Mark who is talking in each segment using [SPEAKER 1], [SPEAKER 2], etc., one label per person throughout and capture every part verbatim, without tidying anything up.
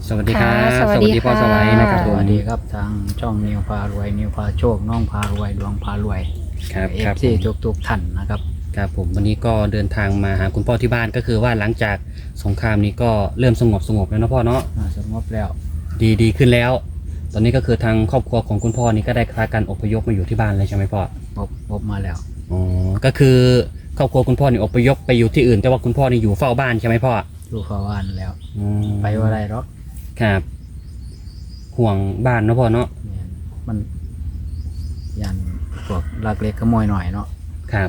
[SPEAKER 1] สวัสดีครับ
[SPEAKER 2] ค่ะสวัสดี
[SPEAKER 1] พ่อ
[SPEAKER 2] ค่ะ
[SPEAKER 1] สวัยนะครับ
[SPEAKER 3] ส
[SPEAKER 1] ผม
[SPEAKER 3] วัสดีครับทางช่องนิวพารวยนิวพาโชคน้องพารวยดวงพารวย
[SPEAKER 1] ครับ
[SPEAKER 3] เอ
[SPEAKER 1] ครั
[SPEAKER 3] ฟ
[SPEAKER 1] บ
[SPEAKER 3] ซี
[SPEAKER 1] ผม
[SPEAKER 3] ทุกทุกๆท่านนะครับ
[SPEAKER 1] ครับผมวันนี้ก็เดินทางมาหาคุณพ่อที่บ้านก็คือว่าหลังจากสงครามนี้ก็เริ่มสงบสงบแล้วนะพ่อเนาะ
[SPEAKER 3] อ่าสงบแล้ว
[SPEAKER 1] ดีดีขึ้นแล้ว ตอนนี้ก็คือทางครอบครัวของคุณพ่อนี่ก็ได้พากันอพยพมาอยู่ที่บ้านเลยใช่ไหมพ่อ
[SPEAKER 3] พบพบมาแล้ว
[SPEAKER 1] อ๋อก็คือครอบครัวคุณพ่อนี่อพยพไปอยู่ที่อื่นแต่ว่าคุณพ่อนี่อยู่เฝ้าบ้านใช่ไหมพ่อ
[SPEAKER 3] ดูฟ้าว่านแล้ว
[SPEAKER 1] อืม
[SPEAKER 3] ไปว่าไรหรอก
[SPEAKER 1] ครับ ห่วงบ้านนะพ่อเนาะ
[SPEAKER 3] เนี่ยมันยันพวกลักเล็กขโมยหน่อยเนาะ
[SPEAKER 1] ครับ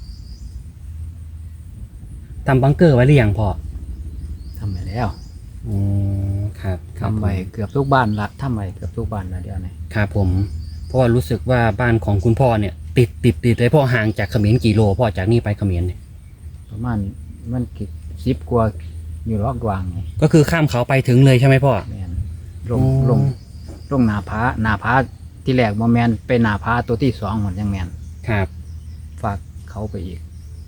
[SPEAKER 1] ทำบังเกอร์ไว้หรือยังพ่อ
[SPEAKER 3] ทำไปแล้ว
[SPEAKER 1] อืมครับครับ
[SPEAKER 3] ทำไปเกือบทุกบ้านละทำไปเกือบทุกบ้านละเดี๋ยวนี้
[SPEAKER 1] ครับผมเพราะว่ารู้สึกว่าบ้านของคุณพ่อเนี่ย ติดติดติดเลยพ่อห่างจากเขมรกี่โลพ่อจากนี่ไปเขมรเนี่ย
[SPEAKER 3] ประมาณมันกี่สิบกว่าอยู่รอกวางไง
[SPEAKER 1] ก็คือข้ามเขาไปถึงเลยใช่ไหมพ่อ
[SPEAKER 3] เนี่ยลง
[SPEAKER 1] อ๋อ
[SPEAKER 3] ลงลงหนาผาหนาผาที่แรกบ่แมนไปหนาผาตัวที่สองหมดยังแมน
[SPEAKER 1] ครับ
[SPEAKER 3] ฝากเขาไปอีก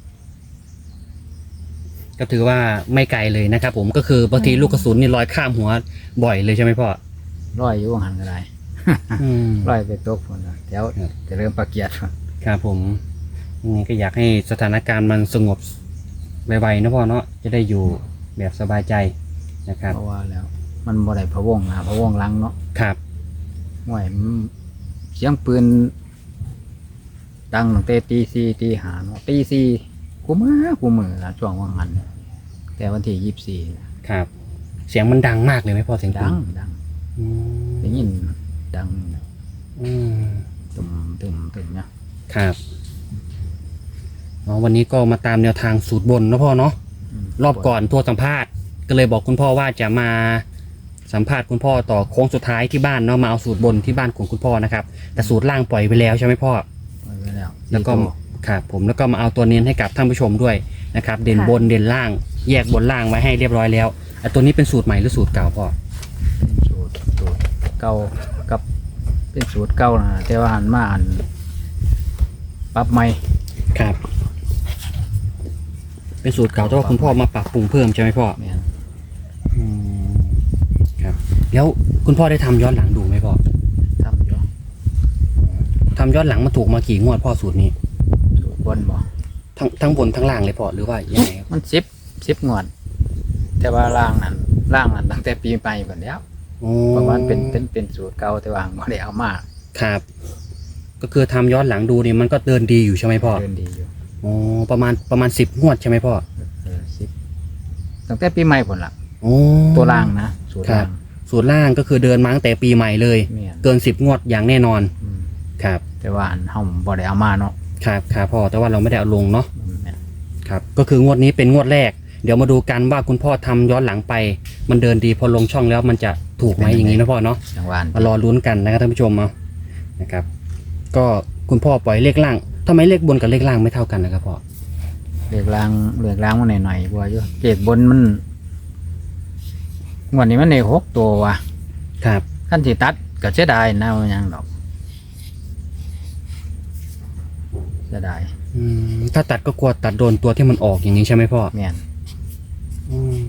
[SPEAKER 1] ก็ถือว่าไม่ไกลเลยนะครับผมก็คือบางทีลูกกระสุนนี่ลอยข้ามหัวบ่อยเลยใช่ไหมพ่อ
[SPEAKER 3] ร้อยอยู่หันก็ได้
[SPEAKER 1] อืม
[SPEAKER 3] ร้อยไปตกคนละเดี๋ยว
[SPEAKER 1] ครับ
[SPEAKER 3] จะเริ่มประเกียดพุ่น
[SPEAKER 1] ครับผมนี่ก็อยากให้สถานการณ์มันสงบไวๆนะพ่อเนาะจะได้อยู่แบบสบายใจนะครับ
[SPEAKER 3] เพราะว่าแล้ว มันบ่ได้พะวงนะพะวงหลังเนาะ
[SPEAKER 1] ครับ
[SPEAKER 3] ห่วยมันเสียงปืนดังตั้งแต่ตีสี่ตีห้าเนาะตีสี่กูมือกูมือละช่วงว่างหันแต่วันที่ยี่สิบสี่
[SPEAKER 1] ครับ เสียงมันดังมากเลยไหมพ่อเสียงปื
[SPEAKER 3] ดั
[SPEAKER 1] น
[SPEAKER 3] งดัง
[SPEAKER 1] อืม
[SPEAKER 3] ได้ยินดัง
[SPEAKER 1] อืม
[SPEAKER 3] ตุ่มตุ่มตุ่มเนี่ย
[SPEAKER 1] ครับอ๋อวันนี้ก็มาตามแนวทางสูตรบนนะพ่อเนาะ
[SPEAKER 3] ม
[SPEAKER 1] รอบก่อนทัวร์สัมภาษณ์ก็เลยบอกคุณพ่อว่าจะมาสัมภาษณ์คุณพ่อต่อโค้งสุดท้ายที่บ้านเนาะมาเอาสูตรบนที่บ้านของคุณพ่อนะครับแต่สูตรล่างปล่อยไปแล้วใช่ไหมพ่อ
[SPEAKER 3] ปล่อยไว้แล้ว
[SPEAKER 1] แล้วก็
[SPEAKER 3] สี่ตัว
[SPEAKER 1] ครับผมแล้วก็มาเอาตัวเน้นให้กับท่านผู้ชมด้วยนะครับเด่นบนเด่นล่าง แยกบนล่างไว้ให้เรียบร้อยแล้วไอ้ตัวนี้เป็นสูตรใหม่หรือสูตรเก่าพ่อ
[SPEAKER 3] เป็นสูตรสูตรเก่ากับเป็นสูตรเก่านะแต่ว่าหันมาอันปรับใหม่
[SPEAKER 1] ครับ เป็นสูตรเก่าแต่ว่าคุณพ่อมาปรับปรุงเพิ่มใช่ไหมพ่อ
[SPEAKER 3] แม่น
[SPEAKER 1] อืมครับแล้วคุณพ่อได้ทำย้อนหลังดูไหมพ่อ
[SPEAKER 3] ทำอยู่
[SPEAKER 1] ทำย้อนหลังมาถูกมากี่งวดพ่อสูตรนี้
[SPEAKER 3] สูตรบนบ่
[SPEAKER 1] ทั้งทั้งบนทั้งล่างเลยพ่อหรือว่ายังไงครับ
[SPEAKER 3] มันสิบสิบงวด แต่ว่าล่างนั้นล่างนั้นตั้งแต่ปีใหม่ก่อนแล้ว
[SPEAKER 1] โอ้
[SPEAKER 3] เพราะว่ามันเป็นเป็นเป็นสูตรเก่าแต่ว่าไม่ได้เอามา
[SPEAKER 1] ครับ ก็คือทำย้อนหลังดูนี่มันก็เดินดีอยู่ใช่ไหมพ่อ
[SPEAKER 3] เดินดีอยู่
[SPEAKER 1] โอ้ประมาณประมาณสิบงวดใช่ไหมพ่อ
[SPEAKER 3] เออสิบตั้งแต่ปีใหม่ผลละ
[SPEAKER 1] โอ้
[SPEAKER 3] ตัวล่างนะสูตร
[SPEAKER 1] ครั
[SPEAKER 3] ล่า
[SPEAKER 1] บ
[SPEAKER 3] ง
[SPEAKER 1] สูตรล่างก็คือเดินมาตั้งแต่ปีใหม่เลย
[SPEAKER 3] เมียน
[SPEAKER 1] เกินสิบงวดอย่างแน่นอน
[SPEAKER 3] อืม
[SPEAKER 1] ครับ
[SPEAKER 3] แต่ว่าอันเฮาบ่ได้เอามาเนาะ
[SPEAKER 1] ครับครับพ่อแต่ว่าเราไม่ได้เอาลงเนาะ
[SPEAKER 3] แม่น
[SPEAKER 1] ครับก็คืองวดนี้เป็นงวดแรก เดี๋ยวมาดูกันว่าคุณพ่อทำย้อนหลังไป มันเดินดีพอลงช่องแล้วมันจะถูกไหมอย่างนี้นะพ่อเนาะ
[SPEAKER 3] จังหวะ
[SPEAKER 1] มารอลุ้นกันนะครับท่านผู้ชมเอานะครับ ก็คุณพ่อปล่อยเลขล่างทำไมเลขบนกับเลขล่างไม่เท่ากันนะครับพ่อ
[SPEAKER 3] เลือกล่างเลือกล่างมาหน่อยๆบัวอยู่เกรดบนมันงวดนี้มันในหกตัวว่ะ
[SPEAKER 1] ครับ
[SPEAKER 3] ขั้นที่ตัดก็เสียดายนะว่าหยังดอกเสียดาย
[SPEAKER 1] อืมถ้าตัดก็กลัวตัดโดนตัวที่มันออกอย่างนี้ใช่ไหมพ่อ
[SPEAKER 3] แม่น
[SPEAKER 1] อืม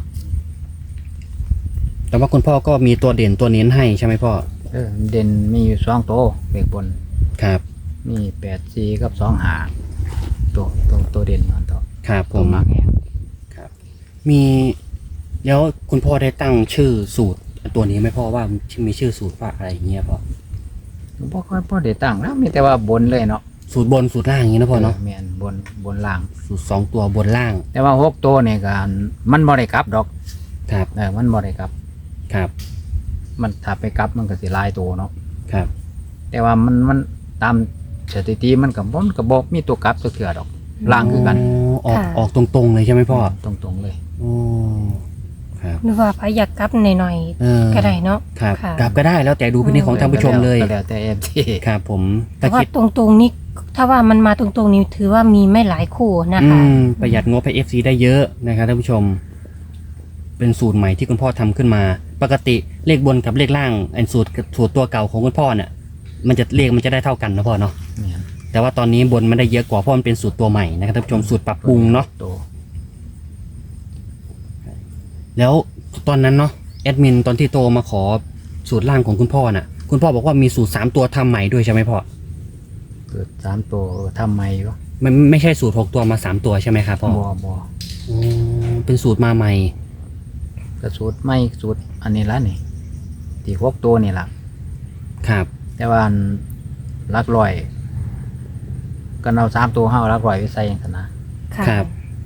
[SPEAKER 1] แต่ว่าคุณพ่อก็มีตัวเด่นตัวเน้นให้ใช่ไหมพ่อ
[SPEAKER 3] เออเด่นมีอยู่สองตัวเลือกบน
[SPEAKER 1] ครับ
[SPEAKER 3] มีแปดสี่กับสองหาตัวตัวตัวเด่นมันตัว
[SPEAKER 1] ครับผ
[SPEAKER 3] ตัว
[SPEAKER 1] ม
[SPEAKER 3] มากแห้ง
[SPEAKER 1] ครับ มีแล้วคุณพ่อได้ตั้งชื่อสูตรตัวนี้ไหมพ่อว่ามีชื่อสูตรว่าอะไรอย่างเงี้ยพ่อ
[SPEAKER 3] บ่ค่อยพอได้ตั้งแล้วมีแต่ว่าบนเลยเนาะ
[SPEAKER 1] สูตรบนสูตรล่างอย่างนี้นะพ่อเนาะ
[SPEAKER 3] แม่นบนบนล่าง
[SPEAKER 1] สูตรสองตัวบนล่าง
[SPEAKER 3] แต่ว่าหกตัวนี่ก็มันบ่ได้กลับดอก
[SPEAKER 1] ครับ
[SPEAKER 3] เออมันบ่ได้กลับ
[SPEAKER 1] ครับ
[SPEAKER 3] มันถ้าไปกลับมันก็สิหลายตัวเนาะ
[SPEAKER 1] ครับ
[SPEAKER 3] แต่ว่ามันมันตามสถิติมันก็บ่มันก็บ่มีตัวกลับตัวเถื่อดอกล่างคือกัน
[SPEAKER 1] ออก
[SPEAKER 2] ค่ะ
[SPEAKER 1] ออกตรงๆเลยใช่ไหมพ่อ
[SPEAKER 3] ตรงๆเลย
[SPEAKER 1] โอ้ครับ
[SPEAKER 2] หรือว่าพอยากกลับหน่อย
[SPEAKER 1] เออ
[SPEAKER 2] ๆก็ได้เนาะ
[SPEAKER 1] ครับ
[SPEAKER 2] ค่ะ
[SPEAKER 1] กลับก็ได้แล้วแต่ดูพินิจของท่านผู้ชมเลย
[SPEAKER 3] ก็แล้วแต่ เอฟ ซี
[SPEAKER 1] ครับผม
[SPEAKER 2] แต่
[SPEAKER 1] ถ้า
[SPEAKER 2] ว่า
[SPEAKER 1] คิด
[SPEAKER 2] ตรงๆนี่ถ้าว่ามันมาตรงๆนี่ถือว่ามีไม่หลายคู่นะ
[SPEAKER 1] อื
[SPEAKER 2] คะ
[SPEAKER 1] มประหยัดงบให้ เอฟ ซี ได้เยอะนะครับท่านผู้ชม เป็นสูตรใหม่ที่คุณพ่อทำขึ้นมา ปกติเลขบนกับเลขล่างไอ้สูตรสูตรตัวเก่าของคุณพ่อเนี่ยมันจะเลขมันจะได้เท่ากันนะพ่อเนาะ
[SPEAKER 3] แม่น
[SPEAKER 1] แต่ว่าตอนนี้บนมันได้เยอะกว่าเพราะมันเป็นสูตรตัวใหม่นะครับท่านผู้ชมสูตรปรับปรุงเนาะ
[SPEAKER 3] ตัว
[SPEAKER 1] แล้วตอนนั้นเนาะแอดมินตอนที่โตมาขอสูตรล่างของคุณพ่อน่ะ คุณพ่อบอกว่ามีสูตรสามตัวทำใหม่ด้วยใช่ไหมพ่อ
[SPEAKER 3] เกิดสามตัวทำไมวะ
[SPEAKER 1] มันไม่ใช่สูตรหกตัวมาสามตัวใช่ไหมครับพ่อ
[SPEAKER 3] บ่บ่
[SPEAKER 1] อ๋อเป็นสูตรมาใหม่
[SPEAKER 3] กระสูตรไม่สูตรอันนี้ละนี่ที่หกตัวนี่ละ
[SPEAKER 1] ครับ
[SPEAKER 3] แต่ว่าอันลักลอยก็เอาสามตัวห้าลักลอยไปใส่อย่างนั้นนะ
[SPEAKER 2] ค่ะ
[SPEAKER 1] ครับ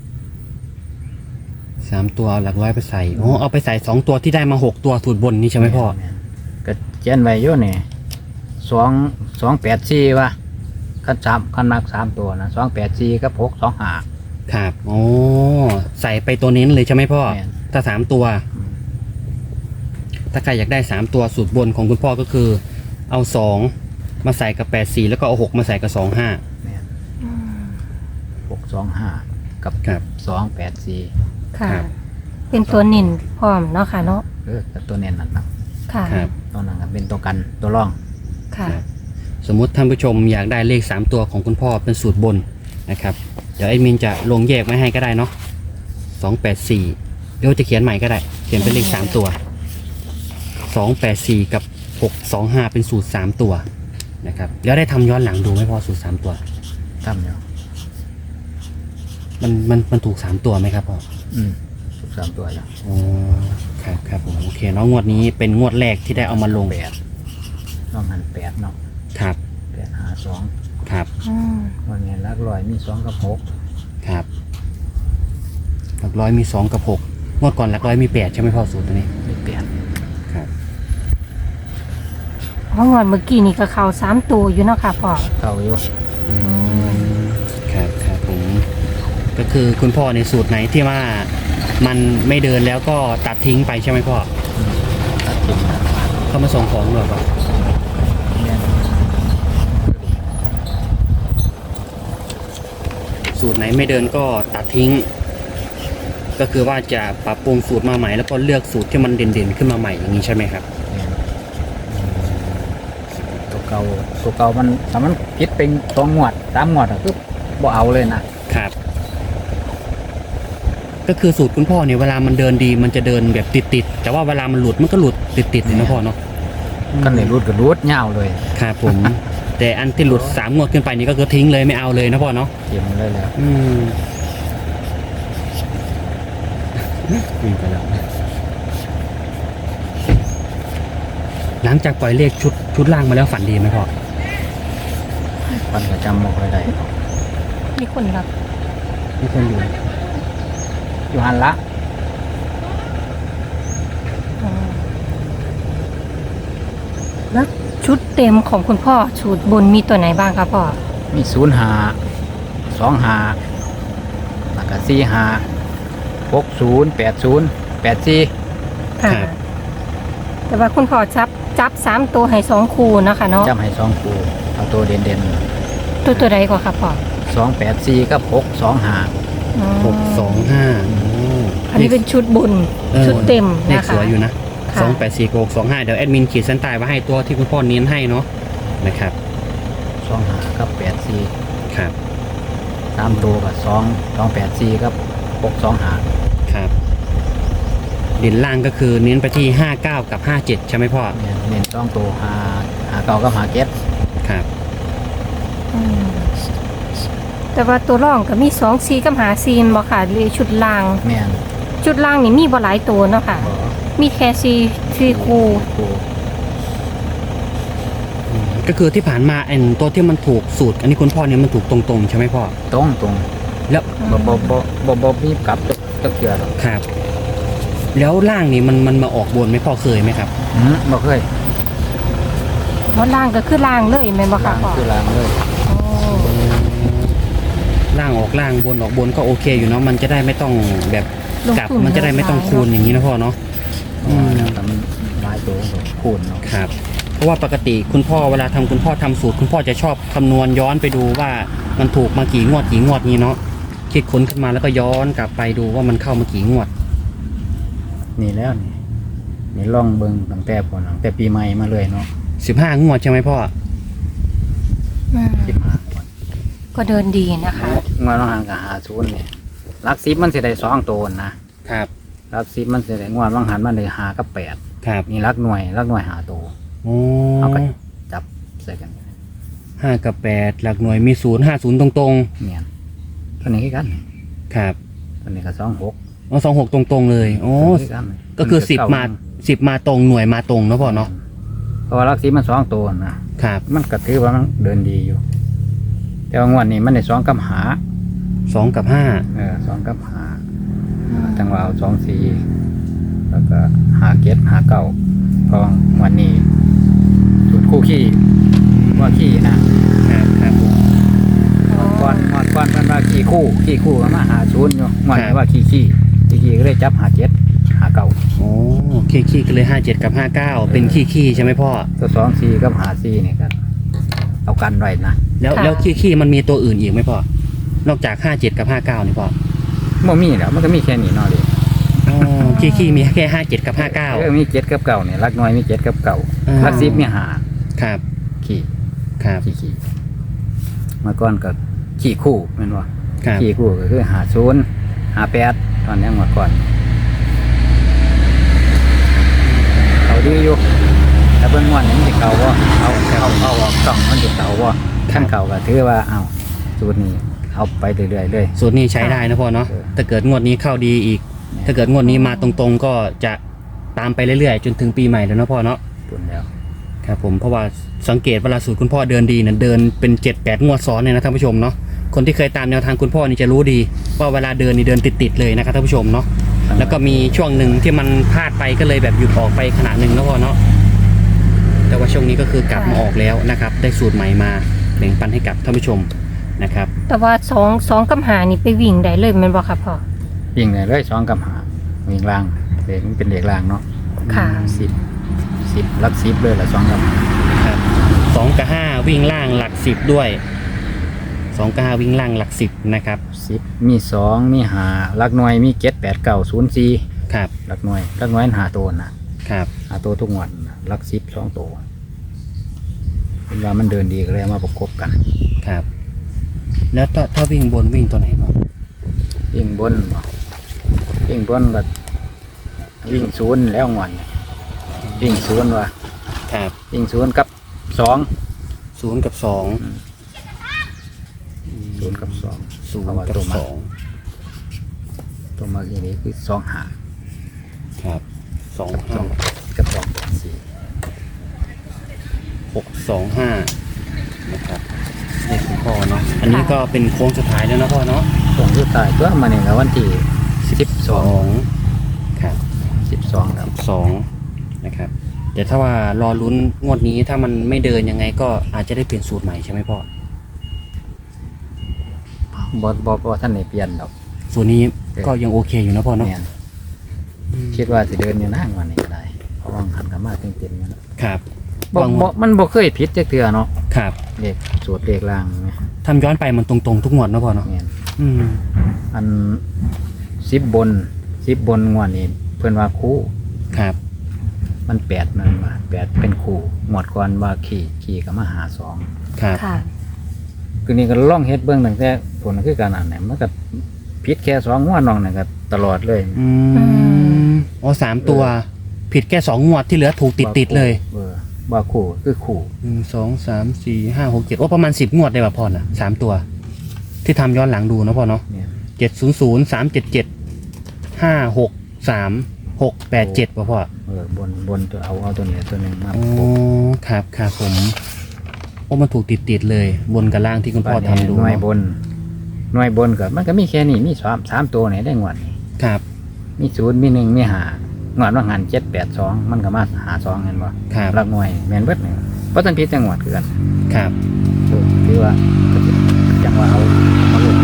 [SPEAKER 1] สามตัวเอาหลักร้อยไปใส่อ๋อเอาไปใส่สองตัวที่ได้มาหกตัวสูตรบนนี่ใช่ไหมพ่อ
[SPEAKER 3] แนก็เจนไว้อยู่นี่สองสองแปดสี่วะขั้นสามขั้นมากสามตัวนะสองแปดสี่กับหกสองห้า
[SPEAKER 1] ครับโอ้ใส่ไปตัวเน้นเลยใช่ไหมพ่อ
[SPEAKER 3] แม่น
[SPEAKER 1] ถ้าสามตัว ถ้าใครอยากได้สามตัวสูตรบนของคุณพ่อก็คือ เอาสองมาใส่กับแปดสี่แล้วก็เอาหกมาใส่กับสองห้า
[SPEAKER 3] แม่น
[SPEAKER 2] อืม
[SPEAKER 3] หกสองห้ากับ
[SPEAKER 1] ครับ
[SPEAKER 3] สองแปดสี่
[SPEAKER 2] ค่ะ
[SPEAKER 1] ครับ
[SPEAKER 2] เป็นตัวนินพร้อมเนาะค่ะเนาะ
[SPEAKER 3] เออกับตัวเน้นนั่นนะ
[SPEAKER 2] ค่ะ
[SPEAKER 1] ครับ
[SPEAKER 3] ตัวนั้นก็เป็นตัวกันตัวร่อง
[SPEAKER 2] ค่ะ
[SPEAKER 1] สมมุติท่านผู้ชมอยากได้เลขสามตัวของคุณพ่อเป็นสูตรบนนะครับเดี๋ยวแอดมินจะลงแยกไว้ให้ก็ได้เนาะสองแปดสี่เดี๋ยวจะเขียนใหม่ก็ได้ เขียนเป็นเลขสามตัวสองแปดสี่กับหกสองห้าเป็นสูตรสามตัวนะครับแล้วได้ทำย้อนหลังดูไหมพ่อสูตรสามตัว
[SPEAKER 3] ทำอยู่
[SPEAKER 1] มันมันมันถูกสามตัวไหมครับพ่อ
[SPEAKER 3] อืมทุกสามตัวอย่าง
[SPEAKER 1] อ๋อครับครับผมโอเคเนาะงวดนี้เป็นงวดแรกที่ได้เอามาลง
[SPEAKER 3] แปดน้องหันแปดเนาะ
[SPEAKER 1] ครับ
[SPEAKER 3] แปดหาสอง
[SPEAKER 1] ครับ
[SPEAKER 2] อืม
[SPEAKER 3] วันนี้ลักลอยมีสองกับหก
[SPEAKER 1] ครับหลักร้อยมีสองกับหกงวดก่อนหลักร้อยมีแปดใช่ไหมพ่อสูตรตัวนี้
[SPEAKER 3] มีแปด
[SPEAKER 1] ครับ
[SPEAKER 2] เพราะงอนเมื่อกี้นี่ก็เข้าสามตัวอยู่เนาะค่ะพ่อ
[SPEAKER 3] เข้าอยู่
[SPEAKER 1] อืมครับครับผมก็คือคุณพ่อในสูตรไหนที่ว่ามันไม่เดินแล้วก็ตัดทิ้งไปใช่ไหมพ่อ
[SPEAKER 3] อืมตัดทิ้งนะ
[SPEAKER 1] เข้ามาส่งของหรือเปล่า
[SPEAKER 3] แม่น
[SPEAKER 1] สูตรไหนไม่เดินก็ตัดทิ้ง ก็คือว่าจะปรับปรุงสูตรมาใหม่แล้วก็เลือกสูตรที่มันเด่นๆขึ้นมาใหม่อย่างนี้ใช่ไหมครับ
[SPEAKER 3] แม่นตัวเก่าตัวเก่ามันถ้ามันพิษเป็นสองงวดสามงวดอะคือบ่เอาเลยนะครับ
[SPEAKER 1] ก็คือสูตรคุณพ่อเนี่ยเวลามันเดินดีมันจะเดินแบบติดๆแต่ว่าเวลามันหลุดมันก็หลุดติดๆเลยนะพ่อเนาะ
[SPEAKER 3] กันเลยรูดก็รูดยาวเลย
[SPEAKER 1] ครับผม แต่อันที่หลุดสามงวดขึ้นไปนี่ก็คือทิ้งเลยไม่เอาเลยนะพ่อเนาะ
[SPEAKER 3] เทียมเลยแล้ว
[SPEAKER 1] อืมวิ่งไปแล้วหลังจากปล่อยเลขชุดชุดล่างมาแล้วฝันดีไหมพ่อ
[SPEAKER 3] มันก็จำบ่ค่อยได้
[SPEAKER 2] มีคนรับ
[SPEAKER 1] มีคนอยู่
[SPEAKER 3] อยู่หันละ
[SPEAKER 2] อืมแล้วชุดเต็มของคุณพ่อชุดบนมีตัวไหนบ้างครับพ่อ
[SPEAKER 3] มีศูนย์หาสองหาแล้วก็สี่หาหกศูนย์แปดศูนย์แปดสี่
[SPEAKER 2] ค่ะ แต่ว่าคุณพ่อจับจับสามตัวให้สองคู่เนาะคะเนาะ
[SPEAKER 3] จำให้สองคู่เอาตัวเด่นเด่น
[SPEAKER 2] ตัวตัวใดก่อนครับพ่อ
[SPEAKER 3] สองแปดสี่กับหกสองหา
[SPEAKER 2] อืม
[SPEAKER 1] หกสองห้า
[SPEAKER 2] อันนี้เป็นชุดบุญ
[SPEAKER 1] ออ
[SPEAKER 2] ชุดเต็ม
[SPEAKER 1] เลข
[SPEAKER 2] นะคะ
[SPEAKER 1] สวยอยู่นะ
[SPEAKER 2] ค่ะ
[SPEAKER 1] สองแปดสี่หกสองห้าเดี๋ยวแอดมินขีดเส้นใต้ไว้ให้ตัวที่คุณพ่อเน้นให้เนาะนะครับ
[SPEAKER 3] สองหากับแปดสี่
[SPEAKER 1] ครับ
[SPEAKER 3] สามตัวกับสองสองแปดสี่กับหกสองหา
[SPEAKER 1] ครับเด่นล่างก็คือเน้นไปที่ห้าเก้ากับห้าเจ็ดใช่ไหมพ่อ
[SPEAKER 3] เนี่ยเน้นสองตัวหาหาเก่ากับหาเก็บ
[SPEAKER 1] ครับ
[SPEAKER 2] อืมแต่ว่าตัวร่องก็มีสองซีกับหาซีนบ่ค่ะหรือชุดล่าง
[SPEAKER 3] แม่น
[SPEAKER 2] ชุดล่างนี่มีบ่หลายตัวเนาะค่ะ
[SPEAKER 3] บ่
[SPEAKER 2] มีแค่ซีซีคู
[SPEAKER 3] คู่
[SPEAKER 1] ก็คือที่ผ่านมาไอ้ตัวที่มันถูกสูตร อันนี้คุณพ่อเนี่ยมันถูกตรงๆใช่ไหมพ่อ
[SPEAKER 3] ตรงตรง
[SPEAKER 1] แล้ว
[SPEAKER 3] บ่บ่บ่บ่บ่มีกลับจักจักเกือหรอก
[SPEAKER 1] ครับ แล้วล่างนี่มันมันมาออกบนไหมพ่อเคยไหมครับ
[SPEAKER 3] อืมบ่เคย
[SPEAKER 2] เพราะล่างก็คือล่างเลยแม่นบ่ค่ะ
[SPEAKER 3] ล้าง
[SPEAKER 2] พ่อ
[SPEAKER 3] คือล้างเลย
[SPEAKER 2] โอ้
[SPEAKER 1] ล่างออกล่างบนออกบนก็โอเคอยู่เนาะมันจะได้ไม่ต้องแบบ
[SPEAKER 2] ลง
[SPEAKER 1] กลับ
[SPEAKER 2] ทุน
[SPEAKER 1] มันจะได้ไม่ต้องคูณอย่างนี้นะพ่อเนาะ อืม
[SPEAKER 3] แต่มันหลายตัวก็คูณเนาะ
[SPEAKER 1] ครับ เพราะว่าปกติคุณพ่อเวลาทำคุณพ่อทำสูตร คุณพ่อจะชอบคำนวณย้อนไปดูว่ามันถูกมากี่งวดกี่งวดนี้เนาะคิดค้นขึ้นมาแล้วก็ย้อนกลับไปดูว่ามันเข้ามากี่งวด
[SPEAKER 3] นี่แล้วนี่นี่ล่องเบิ่งตั้งแต่พุ่นตั้งแต่ปีใหม่มาเลยเนาะ
[SPEAKER 1] สิบห้างวดใช่ไหมพ่อ
[SPEAKER 2] อืม
[SPEAKER 3] สิบห้างวด
[SPEAKER 2] ก็เดินดีนะคะ
[SPEAKER 3] งวดน้องหางกับหาศูนย์เนี่ยหลักสิบมันสิได้สองตัวนะครับ มรักสิบมันสิได้งวดบางหันมันได้หากับแปด
[SPEAKER 1] ครับ
[SPEAKER 3] นี่รักหน่วยรักหน่วยหาตัว
[SPEAKER 1] โอ้
[SPEAKER 3] เอาไป จับใส่กัน
[SPEAKER 1] ห้ากับแปดหลักหน่วยมีศูนย์ห้าศูนย์ตรง
[SPEAKER 3] เนี่ยตัวนี้คือกัน
[SPEAKER 1] ๆครับ
[SPEAKER 3] ตัวนี้ก็สองหก
[SPEAKER 1] อ๋อสองหกตรงๆเลยโอ้
[SPEAKER 3] ตัวนี้กัน
[SPEAKER 1] ก็คือสิบ
[SPEAKER 3] เก้
[SPEAKER 1] มาสิบมาตรงหน่วยมาตรงเนาะพ่อเนาะ
[SPEAKER 3] เพราะว่ารักสิบมันสองตัวนะครับ มันก็ถือว่ามันเดินดีอยู่ แต่ว่างวดนี้มันได้สองกับหา
[SPEAKER 1] สองกับห้า
[SPEAKER 3] เออสองกับหาจังหวะเอาสองสี่แล้วก็หาเก็ดหาเก้าเพราะวันนี้จุดคู่ขี้ว่าขี้นะครับ
[SPEAKER 1] ครับผม
[SPEAKER 3] หมดก้อนหมดก้อนมันว่าขี้คู่ขี้คู่ก็มาหาศูนย์อยู่หมดนี้ว่าขี้ขี้ขี้ขี้ก็เลยจับหาเจ็ดหาเก้า
[SPEAKER 1] โอ้ขี้ขี้กันเลยห้าเจ็ดกับห้าเก้าเป็นขี้ขี้ใช่ไหมพ่อ
[SPEAKER 3] ตัวสองสี่กับหาสี่เนี่ยกันเอากันไว้นะ
[SPEAKER 1] แล้ว
[SPEAKER 2] ค่ะ
[SPEAKER 1] แล้วขี้ขี้มันมีตัวอื่นอีกไหมพ่อนอกจากห้าเจ็ดกับห้าเก้านี่พ่อ
[SPEAKER 3] มันมีแล้วมันก็มีแค่นี้เนาะเลย
[SPEAKER 1] อ๋อขี้ขี้มีแค่ห้าเจ็ดกับห้าเก้า
[SPEAKER 3] เออมีเจ็ดกับเก้าเนี่ยรักน้อยมีเจ็ดกับเก้า
[SPEAKER 1] อ่า
[SPEAKER 3] รักสิบมีหา
[SPEAKER 1] ครับ
[SPEAKER 3] ขี้
[SPEAKER 1] ครับ
[SPEAKER 3] ขี้ขี้เมื่อก่อนก็ขี้คู่แม่นว่า
[SPEAKER 1] ครับ
[SPEAKER 3] ขี้คู่ก็คือหาศูนย์หาแปดตอนนี้เมื่อก่อนเขาดีอยู่แต่เบื้องวันนี้มันจะเก่าว่าเอาเอาเอาออกส่องมันจะเก่าว่าขั้นเก่าก็ถือว่าเอาสูตรนี้เอาไปเรื่อยๆเลย
[SPEAKER 1] สูตรนี้ใช้ได้นะพ่อเนาะ
[SPEAKER 3] เออ
[SPEAKER 1] ถ้าเกิดงวดนี้เข้าดีอีก ถ้าเกิดงวดนี้มาตรงๆก็จะตามไปเรื่อยๆจนถึงปีใหม่แล้วเนาะพ่อเนาะ
[SPEAKER 3] ตุนแล้ว
[SPEAKER 1] ครับผมเพราะว่าสังเกตเวลาสูตรคุณพ่อเดินดีเนี่ยเดินเป็นเจ็ดแปดงวดซ้อนเนี่ยนะท่านผู้ชมเนาะคนที่เคยตามแนวทางคุณพ่อนี่จะรู้ดีว่าเวลาเดินนี่เดินติดๆเลยนะครับท่านผู้ชมเนาะแล้วก็มีช่วงหนึ่งที่มันพลาดไปก็เลยแบบหยุดออกไปขนาดหนึ่งแล้วพ่อเนาะแต่ว่าช่วงนี้ก็คือกลับมาออกแล้วนะครับได้สูตรใหม่มาแบ่งปันให้กับท่านผู้ชมนะครับ
[SPEAKER 2] แต่ว่าสองสองกับหานี่ไปวิ่งได้เลยแมันบ่ค่ะพ่อ
[SPEAKER 3] วิ่งเลยเลยสองกับหาวิ่งล่างเลขมันเป็นเลขล่างเนาะ
[SPEAKER 2] ค่ะ
[SPEAKER 3] สิบสิบลักสิบเลยละสองกับหา
[SPEAKER 1] ครับสองกับห้าวิ่งล่างหลักสิบด้วยสองกับห้าวิ่งล่างหลักสิบนะครับ
[SPEAKER 3] สิบมีสองมีหาลักหน่วยมีเจ็ดแปดเก้าศูนย์สี่
[SPEAKER 1] ครับ
[SPEAKER 3] ลักหน่วยลักหน่วยหาตัวนะครับ หาตัวทุกงวันน่ะลักสิบสองตัวเวลามันเดินดีก็เลยเอามาประกบกัน
[SPEAKER 1] ครับ แล้วถ้าถ้าวิ่งบนวิ่งตัวไหนบ้าง
[SPEAKER 3] วิ่งบนบ่วิ่งบนก็วิ่งศูนย์แล้วงวันวิ่งศูนย์ว่ะ
[SPEAKER 1] ครับ
[SPEAKER 3] วิ่งศูนย์กับสอง
[SPEAKER 1] ศูนย์กับสอง
[SPEAKER 3] ศูนย์กับสอง
[SPEAKER 1] ศูน
[SPEAKER 3] เพราะ
[SPEAKER 1] ย์
[SPEAKER 3] ว่า
[SPEAKER 1] กับ
[SPEAKER 3] ตัวมา
[SPEAKER 1] สอง
[SPEAKER 3] ตัวมาอย่างนี้คือสองหา
[SPEAKER 1] ครับสอง
[SPEAKER 3] ส
[SPEAKER 1] ห้า
[SPEAKER 3] องกับสองแปดสี่
[SPEAKER 1] หกสองห้านะครับเลขคุณพ่อเนาะอันนี้ก็เป็นโค้งสุดท้ายแล้วนะพ่อเนาะ
[SPEAKER 3] ส่งสุดท้ายตัวมาเนี่ยแล้ววันที่สิบสอง
[SPEAKER 1] ครับ
[SPEAKER 3] สิบสองครับ
[SPEAKER 1] สองนะครับเดี๋ยวถ้าว่ารอลุ้นงวดนี้ถ้ามันไม่เดินยังไงก็อาจจะได้เปลี่ยนสูตรใหม่ใช่ไหมพ่อบ
[SPEAKER 3] อบอบอท่านไหนเปลี่ยนดอก
[SPEAKER 1] สูตรนี้ก็ยังโอเคอยู่นะพ่อเนาะ
[SPEAKER 3] เนี่ยคิดว่าจะเดินอยู่นั่งวันนี้ก็ได้เพราะว่าหันกันมาเต็มๆอยู่แล้ว
[SPEAKER 1] ครับ
[SPEAKER 3] บ่
[SPEAKER 1] วาง
[SPEAKER 3] บ่มันบ่เคยผิดจักเทื่อเนาะ
[SPEAKER 1] ครับ
[SPEAKER 3] เลขสูตรเลขล่างเนี่ย
[SPEAKER 1] ทำย้อนไปมันตรงๆทุกงวดนะพ่อเนาะ
[SPEAKER 3] เนี่ย
[SPEAKER 1] อืม
[SPEAKER 3] อันสิบบนสิบบนงวดนี้เพื่อนว่าคู่
[SPEAKER 1] ครับ
[SPEAKER 3] มันแปดนั่นว่าแปดเป็นคู่งวดก่อนว่าขี่ขี่ก็มาหาสอง
[SPEAKER 1] ครับ
[SPEAKER 2] ค่ะ
[SPEAKER 3] คือนี่ก็ล่องเฮ็ดเบื้องตั้งแต่ผลคือการอ่านเนี่ยมันก็ผิดแค่สองงวดน้องเนี่ยก็ตลอดเลย
[SPEAKER 1] อืมอ๋อสามตัว ผิดแค่สองงวดที่เหลือถูกติดติดๆเลย
[SPEAKER 3] เออว่าคู่คือคู่
[SPEAKER 1] หนึ่งสองสามสี่ห้าหกเจ็ดโอ้ประมาณสิบงวดได้ป่ะพ่อน่ะสามตัว ที่ทำย้อนหลังดูนะพ่อเนาะ
[SPEAKER 3] เนี่ย
[SPEAKER 1] เจ็ดศูนย์ศูนย์สามเจ็ดเจ็ดห้าหกสามหกแปดเจ็ดป่ะพ่อ
[SPEAKER 3] เออบนบนตัวเอาเอาตัวนี้ตัวหนึ่งมา
[SPEAKER 1] อ๋อครับครับผมโอ้มันถูกติดติดๆเลย บนกับล่างที่คุณพ่อทำดู
[SPEAKER 3] หน่วย
[SPEAKER 1] เนาะ
[SPEAKER 3] บนหน่วยบนก็มันก็มีแค่นี้มีสามสามตัวเนี่ยได้งวดนี้
[SPEAKER 1] ครับ
[SPEAKER 3] มีศูนย์มีหนึ่งมีหางวดว่าหันเจ็ดแปดสองมันก็มาหาสองเห็นบ่
[SPEAKER 1] ครับ
[SPEAKER 3] รักหน่วยแมนเบิดเนี่ยเพราะตันพิษจังหวัดคือกัน
[SPEAKER 1] ครับ
[SPEAKER 3] คือว่าจังว่าเอามาลง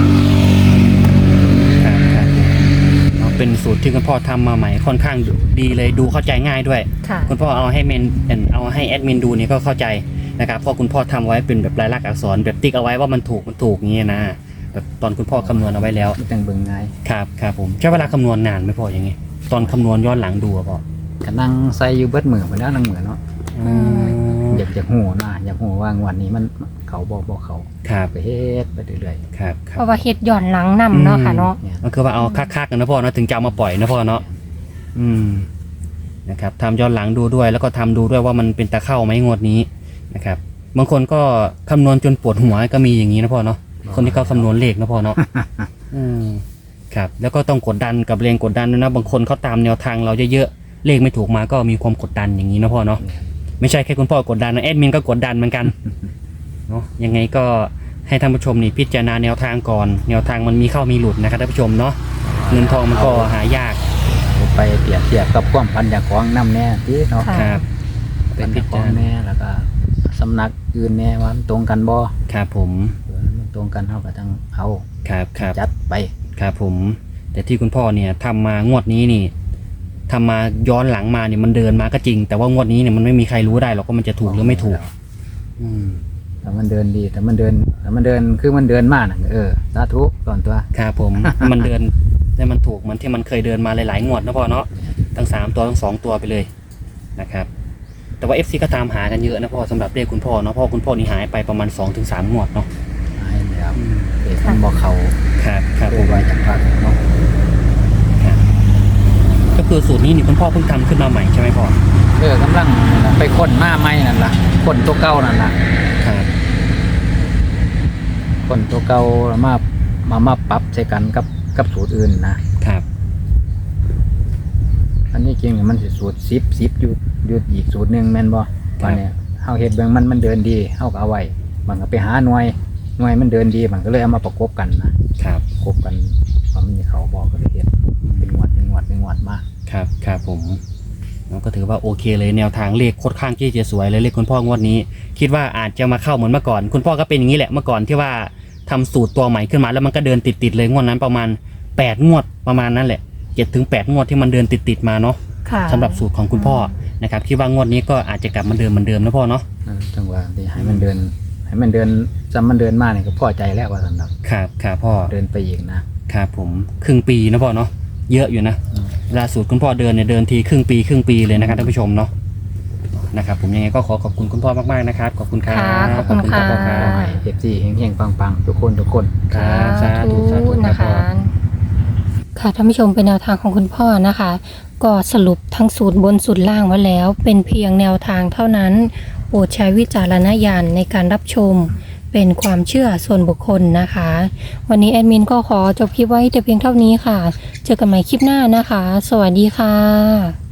[SPEAKER 1] ครับครับเนาะเป็นสูตรที่คุณพ่อทำมาใหม่ค่อนข้างดีเลยดูเข้าใจง่ายด้วย
[SPEAKER 2] ค่ะ
[SPEAKER 1] คุณพ่อเอาให้เมนเอาให้แอดมินดูนี่ก็เข้าใจนะครับเพราะคุณพ่อทำไว้เป็นแบบลายลักษณ์อักษรแบบติ๊กเอาไว้ว่ามันถูกมันถูกอย่างเงี้ยนะแบบตอนคุณพ่อคำนวณเอาไว้แล้ว
[SPEAKER 3] จังเบิ่งง่าย
[SPEAKER 1] ครับครับผมใช้เวลาคำนวณนานไหมพ่ออย่างงี้ตอนคำนวณย้อนหลังดูอะพ่อ
[SPEAKER 3] ก็นั่งใส่อยู่เบิดมือไปแล้วนั่งมือเนาะ
[SPEAKER 1] อืม
[SPEAKER 3] อยากอยากหูนะอยากหูว่างวันนี้มันเขาบอกบอกเขา
[SPEAKER 1] ครับ
[SPEAKER 3] ไปเฮ็ดไปเรื่อย
[SPEAKER 1] ครับครั
[SPEAKER 2] เพ
[SPEAKER 1] บ
[SPEAKER 2] ราะว่าเฮ็ดย้อนหลังนำเนาะค่ะเนาะ
[SPEAKER 3] ๆเนี่ย
[SPEAKER 1] ก็คือว่าเอาคักๆกันนะพ่อเนาะถึงจะเอามาปล่อยนะพ่อเนาะ
[SPEAKER 3] แ
[SPEAKER 1] อืมนะครับทำย้อนหลังดูด้วย แล้วก็ทำดูด้วยว่ามันเป็นตะเข้าไหมงวดนี้นะครับบางคนก็คำนวณจนปวดหัวก็มีอย่างนี้นะพ่อเนาะคนที่เขาคำนวณเลขนะพ่อเนาะ อืมครับแล้วก็ต้องกดดันกับแรงกดดันด้วยนะบางคนเขาตามแนวทางเราเยอะๆเลขไม่ถูกมาก็มีความกดดันอย่างนี้นะพ่อเนาะไม่ใช่แค่คุณพ่อกดดันนะแอดมินก็กดดันเหมือนกันเนาะยังไงก็ให้ท่านผู้ชมนี่พิจารณาแนวทางก่อนแนวทางมันมีเข้ามีหลุดนะครับท่านผู้ชมเนาะเงินทองมันก็หายาก
[SPEAKER 3] เอาไปเปรียบเทียบกับความพันจากของน้ำแน่ที่เนาะ
[SPEAKER 2] ค่ะ
[SPEAKER 1] ครับ
[SPEAKER 3] เป็นของแน่แล้วก็สำนักอื่นแน่ว่ามันตรงกันบ่
[SPEAKER 1] ครับผม
[SPEAKER 3] เออมันตรงกันเท่ากับทั้งเอา
[SPEAKER 1] ครับครับ
[SPEAKER 3] จัดไป
[SPEAKER 1] ครับผมแต่ที่คุณพ่อเนี่ยทำมางวดนี้นี่ทำมาย้อนหลังมาเนี่ยมันเดินมาก็จริง แต่ว่างวดนี้เนี่ยมันไม่มีใครรู้ได้หรอกว่ามันจะถูกหรือไม่ถูก อืม
[SPEAKER 3] แต่มันเดินดีแต่มันเดินแต่มันเดินคือมันเดินมากนะเออสาธุก่อนตัว
[SPEAKER 1] ครับผม มันเดินให้มันถูกเหมือนที่มันเคยเดินมาหลายๆงวดนะพ่อเนาะทั้งสามตัวทั้งสองตัวไปเลยนะครับ แต่ว่า เอฟ ซี ก็ตามหากันเยอะนะพ่อสำหรับเลขคุณพ่อเนาะพ่อคุณพ่อนี่หายไปประมาณสองถึงสามงวดเนาะ
[SPEAKER 3] ให้แล้วเด็กมันบอกเขา
[SPEAKER 1] ครับครับ
[SPEAKER 3] ดูไว้จากพักเนาะ
[SPEAKER 1] ก็คือสูตรนี้นี่คุณพ่อเพิ่งทำขึ้นมาใหม่ใช่ไหมพ่อ
[SPEAKER 3] เออกำลังไปค้นมาใหม่นั่นล่ะค้นตัวเก่านั่นล่ะ
[SPEAKER 1] ครับ
[SPEAKER 3] ค้นตัวเก่าแล้วมามามาปรับใช้กันกับกับสูตรอื่นนะครับ อันนี้จริงๆมันสิสูตรสิบสิบอยู่อยู่อีกสูตรหนึ่งแม่นบ่ว่าเนี่ยเฮาเฮ็ดเบิ่งมันมันเดินดีเฮาก็เอาไว้มันก็ไปหาหน่วยหน่วยมันเดินดีมันก็เลยเอามาประกบกันนะครับ ประกบกันเพราะมันมีเขาบอกก็เลยเฮ็ดเป็นงวดเป็นงวดเป็นงวดมา
[SPEAKER 1] ครับครับผมเราก็ถือว่าโอเคเลยแนวทางเลขโคตรข้างที่จะสวยเลยเลขคุณพ่องวดนี้ คิดว่าอาจจะมาเข้าเหมือนเมื่อก่อน คุณพ่อก็เป็นอย่างนี้แหละเมื่อก่อนที่ว่าทำสูตรตัวใหม่ขึ้นมาแล้วมันก็เดินติดๆเลยงวดนั้นประมาณแปดงวดประมาณนั้นแหละเจ็ดถึงแปดงวดที่มันเดินติดๆมาเนาะ
[SPEAKER 2] ค่ะ
[SPEAKER 1] สำหรับสูตรของคุณพ่อนะครับคิดว่างวดนี้ก็อาจจะกลับมาเดิมเหมือนเดิมนะพ่อเนาะ
[SPEAKER 3] เออจังหวะที่ให้มันเดิน ให้มันเดินจำมันเดินมาเนี่ยก็พอใจแล้วว่าสำหรับ
[SPEAKER 1] ครับครับพ่อ
[SPEAKER 3] เดินไปอีกนะครับ
[SPEAKER 1] ผมครึ่งปีนะพ่อเนาะเยอะอยู่นะ
[SPEAKER 3] อืม
[SPEAKER 1] เวลาสูตรคุณพ่อเดินเนี่ยเดินทีครึ่งปีครึ่งปีเลยนะครับท่านผู้ชมเนาะนะครับผมยังไงก็ขอขอบคุณคุณพ่อมากๆนะครับขอบคุณครับ
[SPEAKER 2] ค่ะขอบคุณค่ะ
[SPEAKER 1] พ่อครั
[SPEAKER 3] ขอบ ให้เอฟซีเฮงๆปังๆทุกคนทุกคน
[SPEAKER 1] ครับสาธุสาธุครับ
[SPEAKER 2] นะ
[SPEAKER 1] พ่อ
[SPEAKER 2] คะค่ะท่านผู้ชมเป็นแนวทางของคุณพ่อนะคะ ก็สรุปทั้งสูตรบนสูตรล่างไว้แล้ว เป็นเพียงแนวทางเท่านั้น โปรดใช้วิจารณญาณในการรับชม เป็นความเชื่อส่วนบุคคลนะคะ วันนี้แอดมินก็ขอจบคลิปไว้แต่เพียงเท่านี้ค่ะ เจอกันใหม่คลิปหน้านะคะ สวัสดีค่ะ